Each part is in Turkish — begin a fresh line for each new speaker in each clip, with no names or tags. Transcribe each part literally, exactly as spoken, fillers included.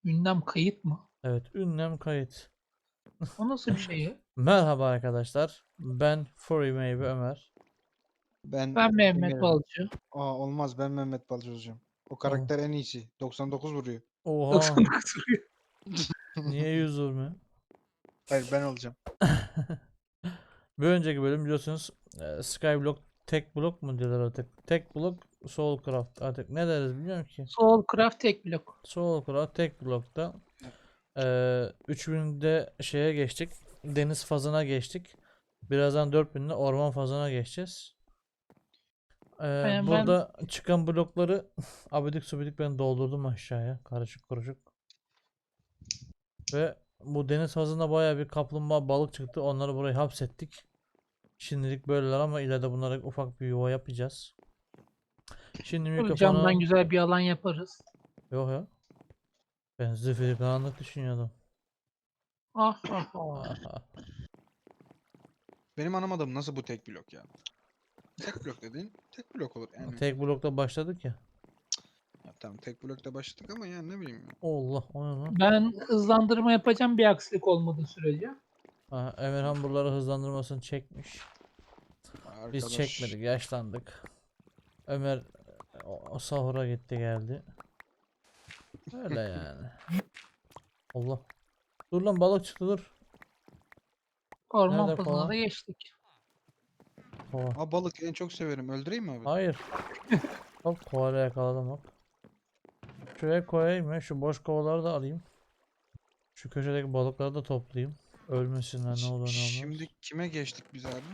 Ünlem kayıt mı?
Evet, ünlem kayıt.
O nasıl bir şey ya?
Merhaba arkadaşlar. Ben Furry Meyve Ömer.
Ben
Ben Mehmet
Emir.
Balcı.
Aa, olmaz, ben Mehmet Balcı olacağım. O
Oh.
karakter en iyisi. doksan dokuz vuruyor.
Oha,
doksan dokuz vuruyor.
niye yüz vurmuyor?
Hayır, ben olacağım.
Bir önceki bölüm biliyorsunuz e, Skyblock tek blok mu diyorlar artık. Tek blok Soulcraft artık ne deriz bilmiyorum ki.
Soulcraft tek blok.
Soulcraft tek blokta e, üç binde şeye geçtik. Deniz fazına geçtik. Birazdan dört binde orman fazına geçeceğiz. E,
Yani ben
burada çıkan blokları abidik subidik ben doldurdum aşağıya. Karışık kuruşuk. Ve bu deniz havuzunda bayağı bir kaplumbağa balık çıktı. Onları buraya hapsettik. Şimdilik böyleler ama ileride bunlara ufak bir yuva yapacağız. Şimdi
tabii camdan
mikrofonu...
güzel bir alan yaparız.
Yok ya. Ben zifiri karanlık düşünüyordum.
Ah ah ah.
Aha.
Benim anlamadığım nasıl bu tek blok ya? Tek blok dediğin tek blok olur yani.
Tek blokta başladık ya.
Ya tamam, tek blokta başladık ama yani ne bileyim ya.
Allah o ne lan?
Ben hızlandırma yapacağım bir aksilik olmadığı sürece.
Aha, Emirhan buraları hızlandırmasını çekmiş. Biz
Arkadaş.
çekmedik, yaşlandık. Ömer o, o sahura gitti geldi. Öyle yani. Allah. Dur lan balık çıktı dur.
Orman
Nerede
pazarına
kova?
da geçtik.
Kova.
Aa, balık en çok severim. Öldüreyim mi abi?
Hayır. Hop koala yakaladım hop. Şuraya koyayım ya. Şu boş kovaları da alayım. Şu köşedeki balıkları da toplayayım. Ölmesinler ne olur ne olmaz.
Şimdi kime geçtik biz abi?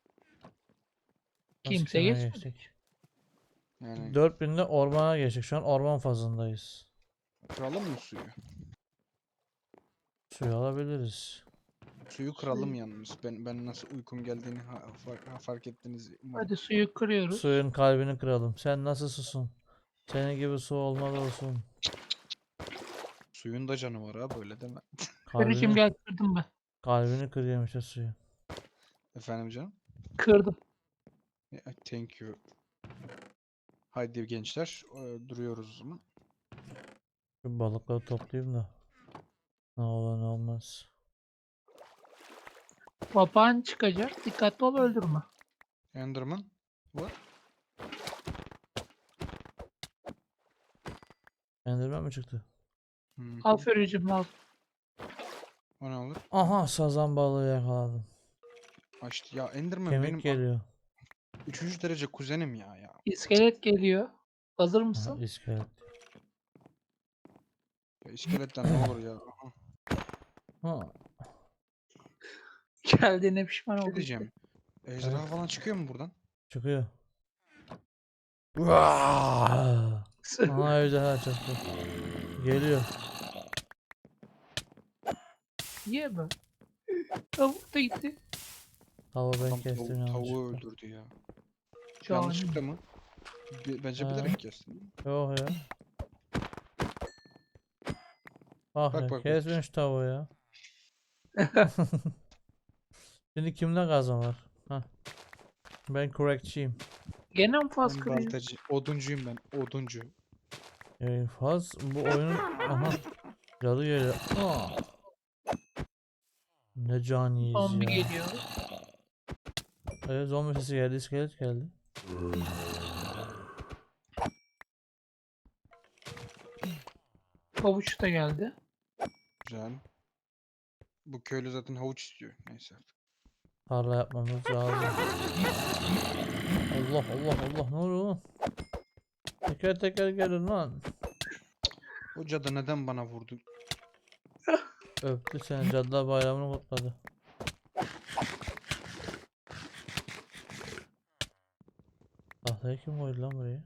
Nasıl
Kimse
kime
geçmedi.
geçtik?
Yani
dört binde ormana geçtik. Şu an orman fazındayız.
kıralım mı suyu?
Suyu alabiliriz.
Suyu kıralım yalnız. Ben ben nasıl uykum geldiğini ha, fark, ha, fark ettiniz umarım.
Hadi suyu kırıyoruz.
Suyun kalbini kıralım. Sen nasıl susun? Senin gibi su olmaz olsun.
Suyun da canı var ha, böyle deme.
Karıcığım
Kalbini,
gel kırdım ben.
kalbini kırıyorum işte suyu.
Efendim canım?
Kırdım.
Ya, thank you. Haydi gençler, e, duruyoruz o zaman.
Şu balıkları toplayayım da. Ne olur ne olmaz.
Papağan çıkacak. Dikkatli ol öldürme.
Enderman var.
Enderman mi çıktı?
Hı hı.
Al Fericim al.
O ne olur?
Aha sazan balığı yakaladım.
Açtı. Ya Enderman
Kemik
benim
geliyor.
üçüncü derece kuzenim ya ya.
İskelet geliyor. Hazır
Aha,
mısın?
iskelet.
Ya iskeletten ne olur ya. Aha.
Ha,
Geldiğine pişman
Bir şey
oldum.
diyeceğim. Ejderha
Evet.
falan çıkıyor mu buradan?
çıkıyor. Vaaah! Aha ejderha çıktı. Geliyor.
Niye be? Tavuk da gitti.
Tavuğu ben
Adam
kestim
tavu- tavuğu
yanlışlıkla.
öldürdü ya.
Cani.
Yanlışlıkla mı? Bi- Bence
Ha.
bilerek kestim.
Yok ya. Bak
Bak
ya
bak bak.
kesmiş şu tavuğu ya. Şimdi kimde kazma var? Hah. Ben correctçiyim.
Gene mi faz
Ben
kırıyor?
baltacı. Oduncuyum ben. Oduncu.
Ee, faz bu oyunun aha cadı geliyor. Aa. Ne caniyiz
Zombi
ya.
geliyor.
Evet zombi sesi geldi, iskelet geldi.
Havuç da geldi.
Güzel. Bu köylü zaten havuç istiyor. Neyse.
Tarla yapmamız lazım. Allah Allah Allah ne oluyor lan? Teker teker gelin lan.
O cadı neden bana vurdu?
Öptü seni, Cadılar Bayramı'nı kutladı. Tahtayı kim koydu lan buraya?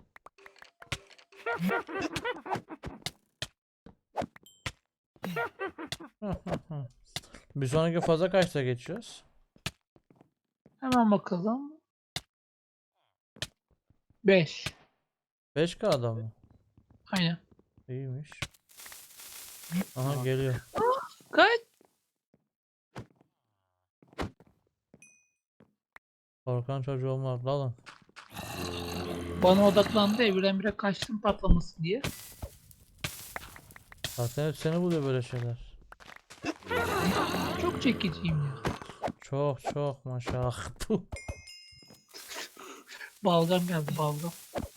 Bir sonraki faza kaçta geçiyoruz?
Hemen bakalım. beş.
beş K'da mı?
Aynen.
İyiymiş. Aha
Aha.
geliyor.
Kaç.
Korkan çocuğum var dalın.
Bana odaklandı ya birdenbire kaçtım patlaması diye.
Zaten hep seni buluyor böyle şeyler.
Çok çekiciyim ya.
Çok çok maşallah. Puh.
Balgam geldi balgam.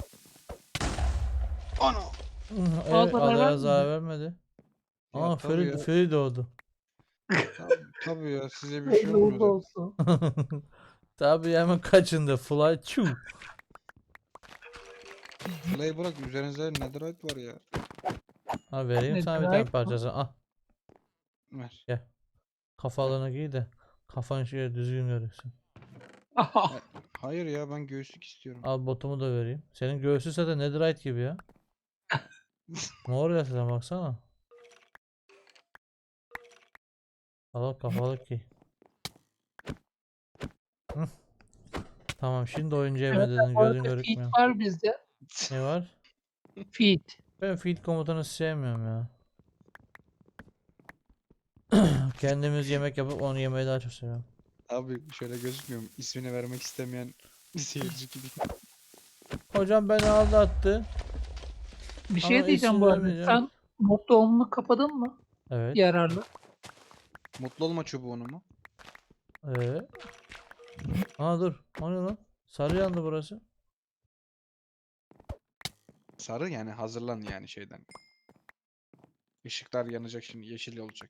Ana!
Evet,
zarar
adaya
vermedi.
zarar vermedi.
Ya
Aa
tabii
Feri,
ya.
Feri doğdu.
Tabii, tabii ya size bir şey
Hayırlı
olmuyor
uğurlu
zaten.
olsun.
Tabii hemen kaçındı. Fly çu.
Fly bırak üzerinizde netherite var ya.
Ha vereyim
Ne
sana bir tane
demek?
parçası. Ah
Ver.
gel. Kafalığını giy de kafan şöyle düzgün görünsün.
Aha.
Ha- Hayır ya ben göğüslük istiyorum.
Al botumu da vereyim. Senin göğsün zaten netherite gibi ya. Mor ya sen baksana. Al al, kafalık giy. Hı. Tamam şimdi oyuncu evine
Evet,
dedin
bu arada
gözün
feed
görükmüyor.
var bizde.
Ne var?
Feed.
Ben feed komutanı sevmiyorum ya. Kendimiz yemek yapıp onu yemeyi daha çok seviyorum.
Abi şöyle gözükmüyorum. İsmini vermek istemeyen bir seyirci gibi.
Hocam beni aldattı
Bir şey
ama
diyeceğim
isim
bu arada.
vermeyeceğim.
Sen mod doğumunu kapadın mı?
Evet.
Yararlı.
Mutlu olma çubuğunu mu?
Ee. Aa dur. O ne lan? Sarı yandı burası.
Sarı yani hazırlan yani şeyden. Işıklar yanacak şimdi yeşil olacak.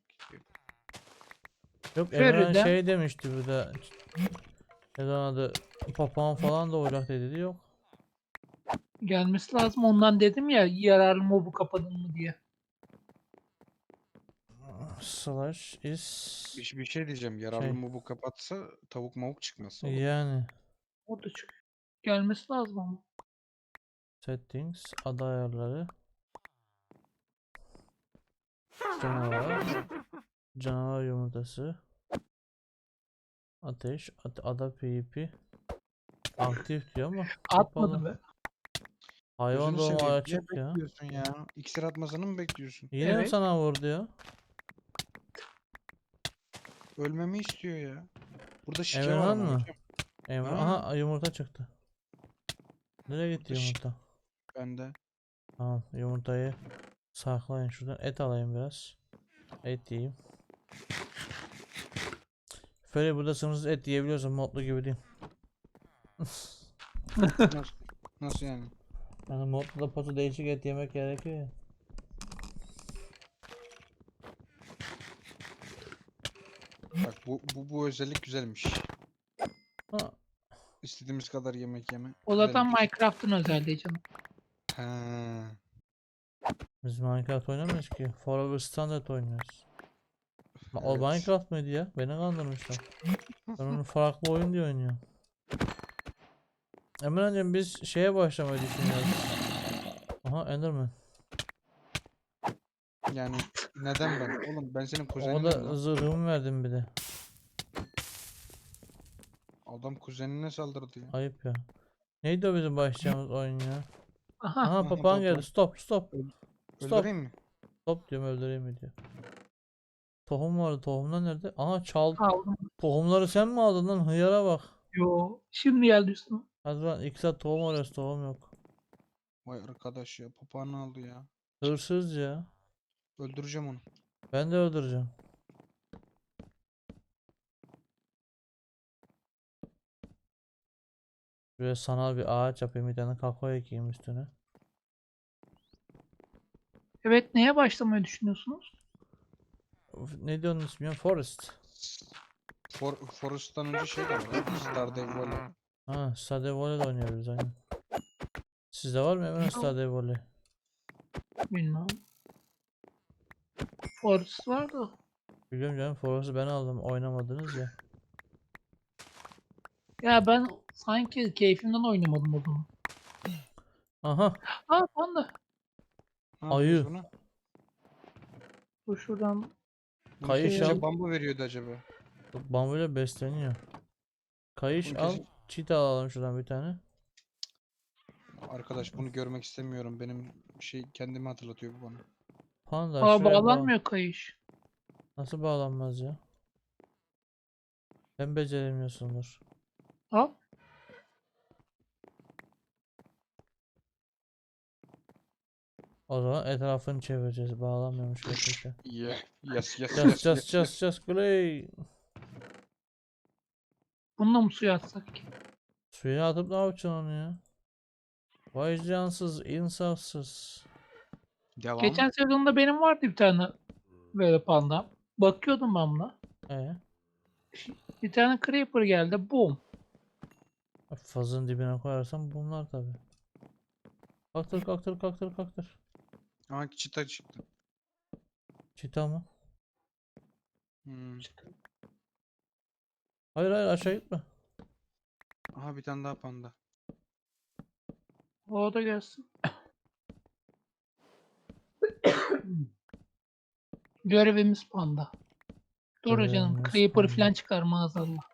Yok Emirhan
Feride
şey demişti burada. Ne zaman adı papağan falan da olacak dedi. Yok.
gelmesi lazım. Ondan dedim ya yararlı mobu kapadın mı diye.
Slash is
Bir, bir şey diyeceğim. Yararlı
şey
mı bu kapatsa tavuk mavuk çıkmaz oğlum.
yani
O da çıkıyor. Gelmesi lazım ama.
settings ada ayarları canavar canavar yumurtası ateş at, ada pvp aktif diyor ama
Atmadı
kapalı.
be.
Hayvan
Gözünü
doğumu
seveyim. Ne
açık ya.
bekliyorsun ya? İksir atmasını mı bekliyorsun?
Yine mi
Evet.
sana vurdu ya?
Ölmemi istiyor ya. Burada şike var
Emirhan
ama
mı?
hocam.
Emir
Ha,
aha yumurta çıktı. Nereye gitti
burada şike
yumurta?
bende.
Tamam yumurtayı saklayın şuradan et alayım biraz. Et yiyeyim. Böyle burada sınırsız et yiyebiliyorsun modlu gibi değil.
Nasıl, nasıl yani?
Yani modlu da potu değişik et yemek gerekiyor ya.
Bak bu, bu, bu özellik güzelmiş.
Ha,
İstediğimiz kadar yemek yeme.
O
Güzel
zaten
bir şey.
Minecraft'ın özelliği canım.
Ha,
biz Minecraft oynamıyoruz ki. Forever Standard oynuyoruz. Ma- O
evet.
Minecraft mıydı ya? Beni kandırmışlar. Ben onu farklı oyun diye oynuyorum. Emre'cim biz şeye başlamayı düşünüyoruz. Aha Enderman.
Yani neden ben? Oğlum ben senin
O
kuzeninim
da
lan.
zırhımı verdim bir de.
Adam kuzenine saldırdı ya.
Ayıp ya. Neydi o bizim başlayacağımız oyun ya?
Aha.
Aha
Aha
papağan geldi.
papağan.
Stop stop.
Öl-
Stop.
Öldüreyim mi?
Stop diyorum öldüreyim mi diyor. Tohum vardı. Tohumlar nerede? Aha çal.
Aldım.
Tohumları sen mi aldın lan? Hıyara bak.
Yo. Şimdi geldi üstüme.
Hadi lan iki saat tohum arıyoruz. Tohum yok.
Vay arkadaş ya papağanı aldı ya.
Hırsız ya.
Öldüreceğim onu.
Ben de öldüreceğim. Böyle sanal bir ağaç yapayım. Bir tane kakao ekeyim üstüne.
Evet, neye başlamayı düşünüyorsunuz?
Of, ne diyorsun ismi ya? Forest.
For, Forest'tan önce şey de var ya. Stardew Valley.
Ha, Stardew Valley de oynuyoruz aynen. Sizde var mı Emre Stardew Valley?
Bilmem. Forest var da.
Biliyorum canım Forest'ı ben aldım. Oynamadınız ya.
Ya ben sanki keyfimden oynamadım o zaman.
Aha.
Aa panda.
Ne
Ayı.
yapıyoruz buna?
Dur şuradan
Bunu
Kayış
şey
kesince
al.
al.
bambu veriyordu acaba.
Bambuyla besleniyor. Kayış
Bunu
al.
kesin...
Cheetah alalım şuradan bir tane.
Arkadaş bunu görmek istemiyorum. Benim şey kendimi hatırlatıyor bu bana.
Panda
Aa
şuraya bağ.
bağlanmıyor kayış.
Nasıl bağlanmaz ya? Sen beceremiyorsundur.
Al.
O zaman etrafını çevireceğiz. Bağlamıyormuş gerçekten.
Yeah. Yes, yes,
Just
yes,
just
yes,
just
yes.
just play.
Bununla mı suya atsak ki?
Suya atıp ne yapacaksın onu ya? Vay cansız, insafsız.
Devam.
Geçen sezonda benim vardı bir tane böyle panda. Bakıyordum ben buna.
Ee,
Bir tane creeper geldi. Boom.
fazın dibine koyarsan bunlar tabi. Kalktır kalktır kalktır kalktır.
Ama çıta çıktı.
Çita mı?
Hmm.
Hayır hayır aşağı gitme.
Aha bir tane daha panda.
O da gelsin. Görevimiz panda. Dur canım.
Görevimiz
Creeper
panda.
falan çıkar maazallah.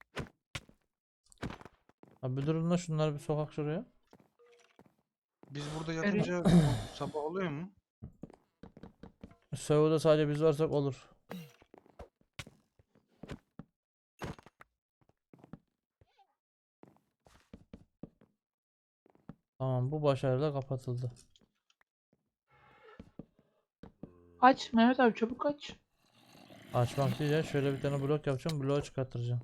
Abi durun da şunları bir sokak şuraya.
Biz burada yatınca sabah oluyor mu?
Serverda sadece biz varsak olur. Tamam bu başarıyla kapatıldı.
Aç Mehmet abi, çabuk aç.
Açmak değil ya, şöyle bir tane blok yapacağım, bloğu çıkartacağım.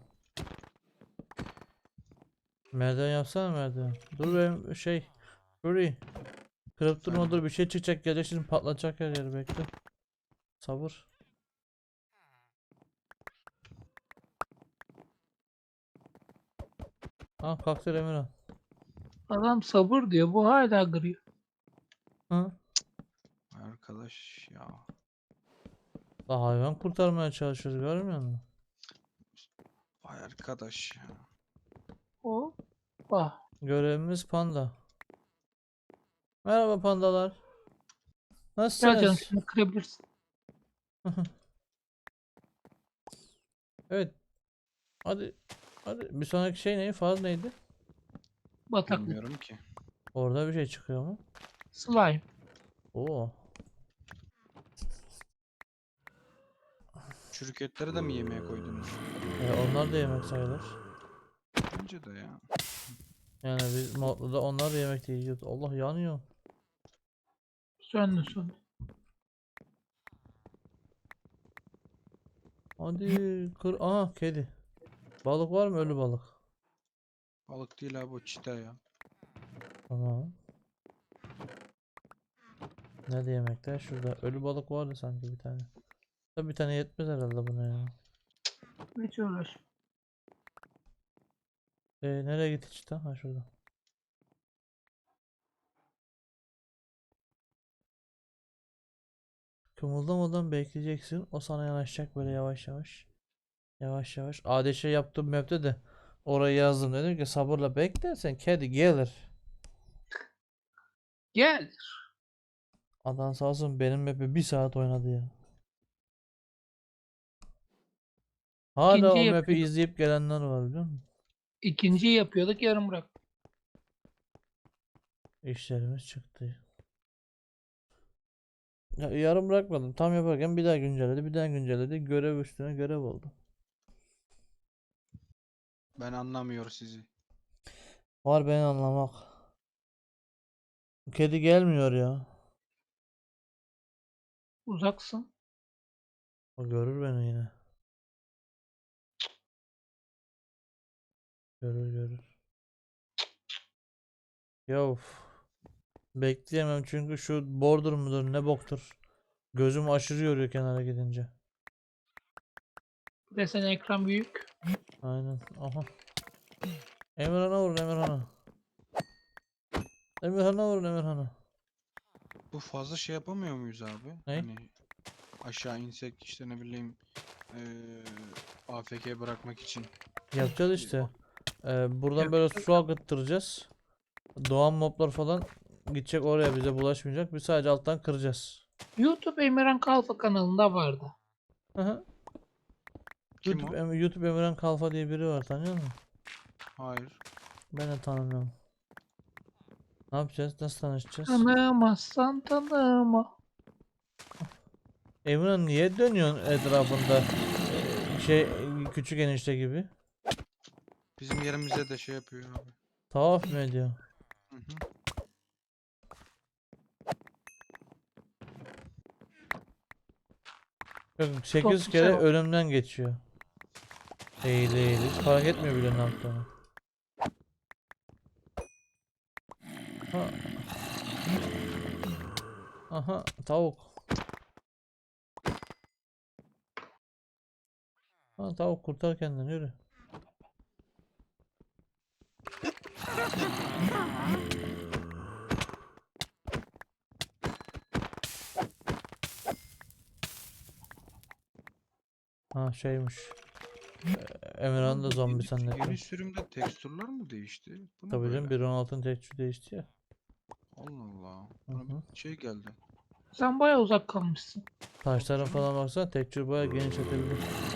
Merdiven yapsana merdiven. Dur benim şey Fury. Kırıp durma,
Efendim?
dur bir şey çıkacak, gelecek şimdi patlatacak her yeri, bekle. Sabır. Ha kalktı Emirhan.
Adam sabır diyor. Bu hala kırıyor.
Hı?
Arkadaş ya.
La hayvan kurtarmaya çalışıyoruz, görmüyor musun?
Vay arkadaş ya.
O. Bak.
Görevimiz panda. Merhaba pandalar.
Gel canım,
Nasılsınız?
şunu kırabilirsin.
Evet. Hadi. Hadi. Bir sonraki şey ne? Faz neydi?
Bataklık.
Bilmiyorum ki.
Orada bir şey çıkıyor mu?
Slime.
Oo.
Çürük etleri de mi yemeğe koydunuz?
E, onlar da yemek sayılır.
Bence de ya.
Yani biz modda onlar da yemek de yiyoruz. Allah yanıyor.
Söndü söndü.
Hadi kır. Aha kedi. Balık var mı? Ölü balık.
Balık değil abi, o çita ya.
Tamam. Nerede yemekler? Şurada. Ölü balık vardı sanki bir tane. Tabii bir tane yetmez herhalde buna ya.
Hiç uğraş.
E, nereye gitti işte? Ha şurada. Kımıldamadan bekleyeceksin. O sana yanaşacak böyle yavaş yavaş. Yavaş yavaş. A D Ş yaptığım map'te de orayı yazdım. Dedim ki sabırla beklersen kedi gelir.
Gel.
Adam sağ olsun benim map'i bir saat oynadı ya. Hala
İkinciyi
o map'i
yapıyorduk.
izleyip gelenler var biliyor musun?
İkinciyi yapıyorduk, yarım bırak.
İşlerimiz çıktı. Ya, yarım bırakmadım. Tam yaparken bir daha güncelledi. Bir daha güncelledi. Görev üstüne görev oldu.
Ben anlamıyorum sizi.
Var beni anlamak. Kedi gelmiyor ya.
Uzaksın.
O görür beni yine. Görür görür. Ya uf. Bekleyemem çünkü şu border mudur ne boktur. Gözüm aşırı yoruyor kenara gidince.
Bir de senin ekran büyük.
Aynen. Aha. Emirhan'a vurun Emirhan'a. Emirhan'a vurun Emirhan'a.
Bu fazla şey yapamıyor muyuz abi?
Ne?
Hani aşağı insek işte ne bileyim eee A F K bırakmak için.
Yapacağız işte. Ee, buradan böyle
Yapacağız.
su akıttıracağız. Doğan moblar falan gidecek oraya, bize bulaşmayacak. Biz sadece alttan kıracağız.
YouTube Emirhan Kalfa kanalında vardı.
Aha.
Kim
YouTube,
o?
Em- YouTube Emirhan Kalfa diye biri var, tanıyor musun?
Hayır.
Ben de tanımıyorum. Ne yapacağız? Nasıl tanışacağız?
Tanımazsan tanıma.
Emirhan niye dönüyorsun etrafında? Şey, küçük enişte gibi.
Bizim yerimize de şey yapıyor abi.
Tavaf mı ediyor?
Hı hı.
sekiz
Çok
kere
güzel oldu.
önümden geçiyor. Eğili eğili. Hiç fark etmiyor bile ne yaptığını. Ha. Aha tavuk. Ha, tavuk kurtar kendini yürü. Ha şeymiş. Ee, Emirhan da
Bu
zombi
yeni,
zannettim.
yeni sürümde tekstürler mi değişti? Bu ne
Tabii canım
böyle?
bir nokta on altının tekstürü değişti ya.
Allah Allah.
Hı
Bana
hı.
bir şey geldi.
Sen bayağı uzak kalmışsın.
Taşlara
canım.
falan baksana tekstür bayağı genişletildi.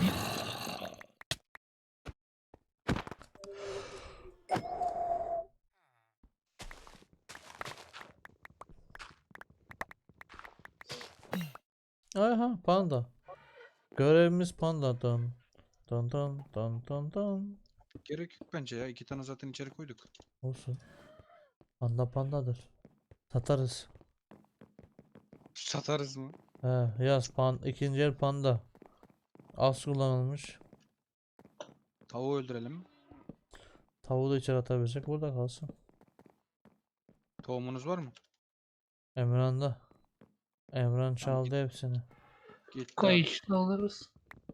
Aha panda. Görevimiz panda. Dın dın dın dın dın dın.
Gerek yok bence ya. İki tane zaten içeri koyduk.
Olsun. Panda pandadır. Satarız.
Satarız mı?
He yaz pan ikinci el panda. Az kullanılmış.
Tavuğu öldürelim.
Tavuğu da içeri atabilecek burada kalsın.
Tohumunuz var mı?
Emran'da. Emran
Tamam,
çaldı hepsini.
gitti abi.
Kayışla alırız.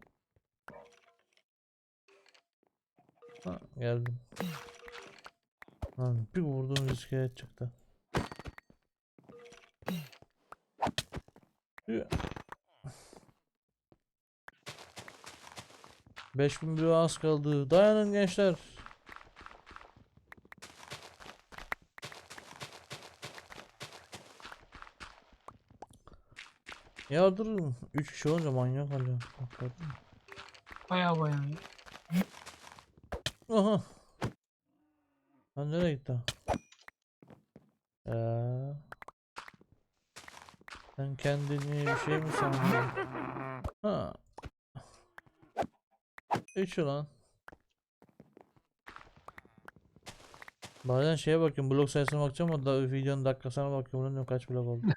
Ha, geldim. Lan bir vurduğum iskelet çıktı. beş bin bir az kaldı. Dayanın gençler. Ya durun. üç kişi olunca manyak oluyor. Bak gördün mü?
Bayağı bayağı.
Aha. Lan nereye gitti? Ya. Sen kendini bir şey mi sandın? Ha. üç ulan. Bazen şeye bakıyorum, blok sayısına bakacağım ama da videonun dakikasına bakıyorum, ulan kaç blok oldu.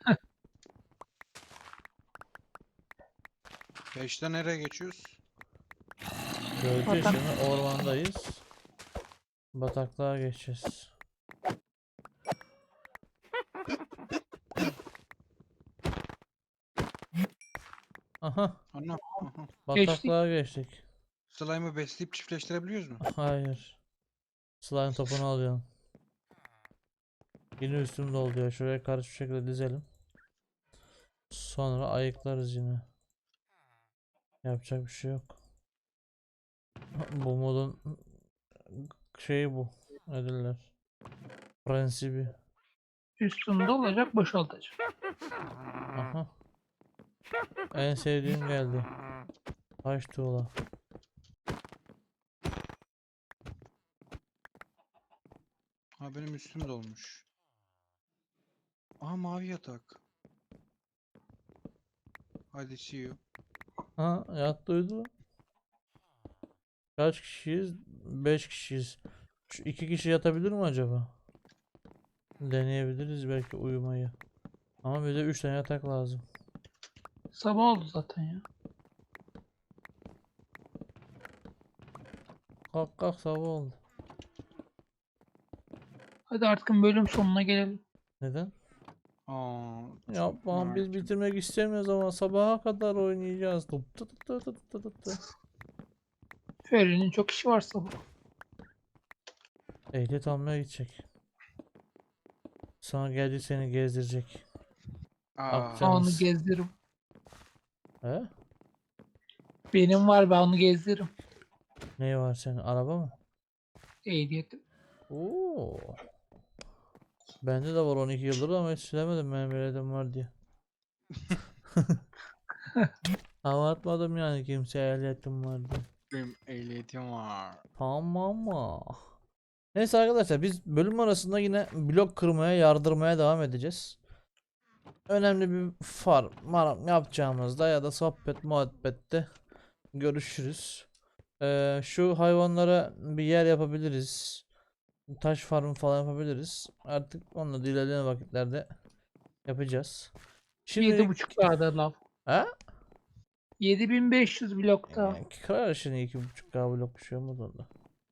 Beşte nereye geçiyoruz?
Göreceğiz
Batak.
şimdi, ormandayız. Bataklığa geçeceğiz. Aha,
Ana. Aha.
bataklığa geçtik.
Slime'ı besleyip çiftleştirebiliyoruz mu?
Hayır. Slime topunu alıyorum. Yine üstüm doldu ya. Şuraya karşı bir şekilde dizelim. Sonra ayıklarız yine. Yapacak bir şey yok. Bu modun şeyi bu. Ne derler? Prensibi.
Üstünde olacak, boşaltacak.
Aha. En sevdiğim geldi. Taş tuğla.
Ha benim üstüm dolmuş. Aha mavi yatak. Hadi see you.
Ha yat duydu. Kaç kişiyiz? beş kişiyiz. Şu iki kişi yatabilir mi acaba? Deneyebiliriz belki uyumayı. Ama bize üç tane yatak lazım.
Sabah oldu zaten ya.
Kalk kalk sabah oldu.
Hadi artık bölüm sonuna gelelim.
Neden?
Aa, çok
Yapma biz
erken.
bitirmek istemiyoruz ama sabaha kadar oynayacağız. Tıp tı tı tı tı tı tı tı.
Feri'nin çok işi var sabah.
Ehliyet almaya gidecek. Sonra gelecek seni gezdirecek.
Aa,
Akçam.
Ben onu
Canımız.
gezdiririm.
He?
Benim var, ben onu gezdiririm.
Ne var senin? Araba mı?
Ehliyetim.
Oo. Bende de var on iki yıldır ama hiç söylemedim benim ehliyetim var diye. Hava atmadım yani kimseye ehliyetim var diye.
benim ehliyetim var.
Tamam mı? Neyse arkadaşlar biz bölüm arasında yine blok kırmaya yardırmaya devam edeceğiz. Önemli bir farm maram yapacağımızda ya da sohbet muhabbette görüşürüz. Ee, şu hayvanlara bir yer yapabiliriz. Taş farmı falan yapabiliriz. Artık onunla da ilerleyen vakitlerde yapacağız.
Yedi
Şimdi
buçuk kağıda lav.
ha?
yedi bin beş yüz blokta.
Yani kırar şimdi iki buçuk K blok bir şey olmaz onda.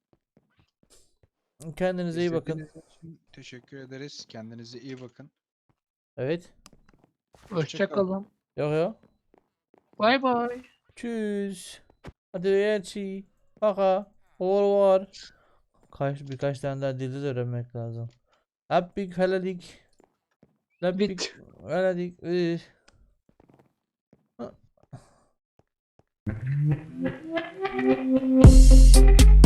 Kendinize iyi bakın.
İzlediğiniz için teşekkür ederiz. Kendinize iyi bakın.
Evet.
Hoşça kalın.
Yok yok.
Bay bay.
Tschüss. Hadi Yerçi. Kaka. Or var. Kaç birkaç tane daha dilde de öğrenmek lazım. Lappik heladik. Lappik
Bit.
heladik. Üh. Hı.